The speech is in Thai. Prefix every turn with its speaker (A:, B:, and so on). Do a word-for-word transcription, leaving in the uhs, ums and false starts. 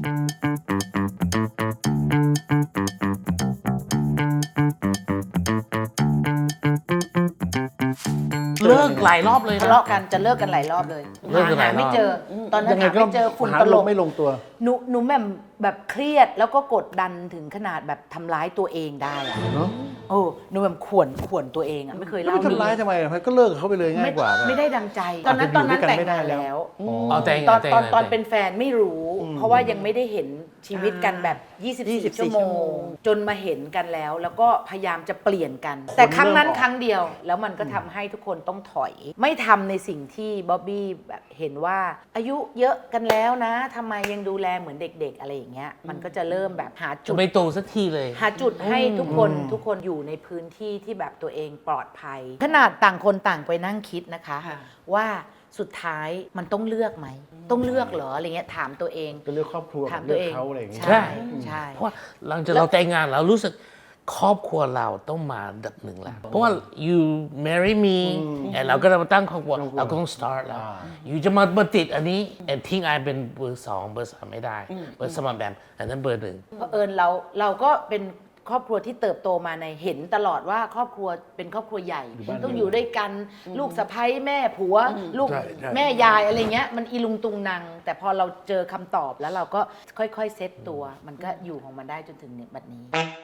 A: เลิกหลายรอบเลย
B: ทะ
A: นะ
B: เลาะกันจะเลิกกันหลายรอบเลย
A: เลิกกันหลายรอบ
B: หาไม่เจอ ตอนนั้น
C: ยังไง
B: หา
C: ก็
B: ไม่เจอฝุ่น
C: หา
B: ตล
C: ล
B: บ
C: งไม่ลงตัว
B: หนูหนูแบบแบบเครียดแล้วก็กดดันถึงขนาดแบบทำร้ายตัวเองได้อะ
C: เนาะ
B: โอ้หนูแบบข่วนข่วนตัวเองอะไม่เคย
C: แล้ว
B: เล่า
C: ไปทำร้ายทำไมอะก็เลิกกับเขาไปเลยง่ายกว่าป่ะ
B: ไม่ได้ดังใจ ตอนนั้นตอนนั้น
C: อาจจะอยู่ด้วยกัน
B: แต่ง
C: ไม่ได้
B: งาน
C: แล้ว
B: แล้ว
A: อ๋อแต่ง
B: ตอน
A: แต่ง
B: ตอน
A: แต่ง
B: ตอนเป็นแฟนไม่รู้ เพราะว่ายังไม่ได้เห็นชีวิตกันแบบ
D: ยี่สิบ
B: ยี่
D: สี่
B: สิบ ชั่วโม
D: ชั่วโม
B: ง
D: ง
B: จนมาเห็นกันแล้ว แล้วก็พยายามจะเปลี่ยนกัน แต่ครั้งนั้นครั้งเดียว แล้วมันก็ทำให้ทุกคนต้องถอย ไม่ทำในสิ่งที่บ๊อบบี้แบบเห็นว่าอายุเยอะกันแล้วนะทำไมยังดูแลเหมือนเด็ก ๆ อะไรอย่างเงี้ยมันก็จะเริ่มแบบหาจุ
A: จะ
B: ด
A: ไม่โตสักทีเลย
B: หาจุดให้ทุกคนทุกคนอยู่ในพื้นที่ที่แบบตัวเองปลอดภัย ขนาดต่างคนต่างไปนั่งคิดนะคะ
D: ค่ะ
B: ว่าสุดท้ายมันต้องเลือกไหม ต้องเลือกเหรออะไรเงี้ยถามตัวเอง
C: จะเลือกครอบครัว
B: ถา
C: กั
B: ม
C: บ
B: ตั
C: เลื
B: ว
C: อก
B: เอง
C: เขาอะไรอย่างเงี้ย
B: ใช่ใช่
A: เพราะว่าหลังจากเราแต่งงานเรารู้สึกครอบครัวเราต้องมาอันดับหนึ่งแล้ว เพราะว่า you marry me แอนเราก็จะมาตั้งครอบครัวเราก็ต้อง start แล้ว อยู่จะมามาติดอันนี้แอนทิ้งไอเป็นเบอร์สองเบอร์สามไม่ได้ เบอร์สมานแบบอันนั้นเบอร์หนึ่ง
B: เพราะเอิญเราเราก็เป็นครอบครัวที่เติบโตมาในเห็นตลอดว่าครอบครัวเป็นครอบครัวใหญ่
C: อยู่บ้าน
B: ต้องอยู่ด้วยกันลูกสะใภ้แม่ผัว ลูก
C: ใช่ใช่
B: แม่ยายอะไรเงี้ยมันอีลุงตุงนางแต่พอเราเจอคำตอบแล้วเราก็ค่อยๆเซตตัว มันก็อยู่ของมันได้จนถึงบัดนี้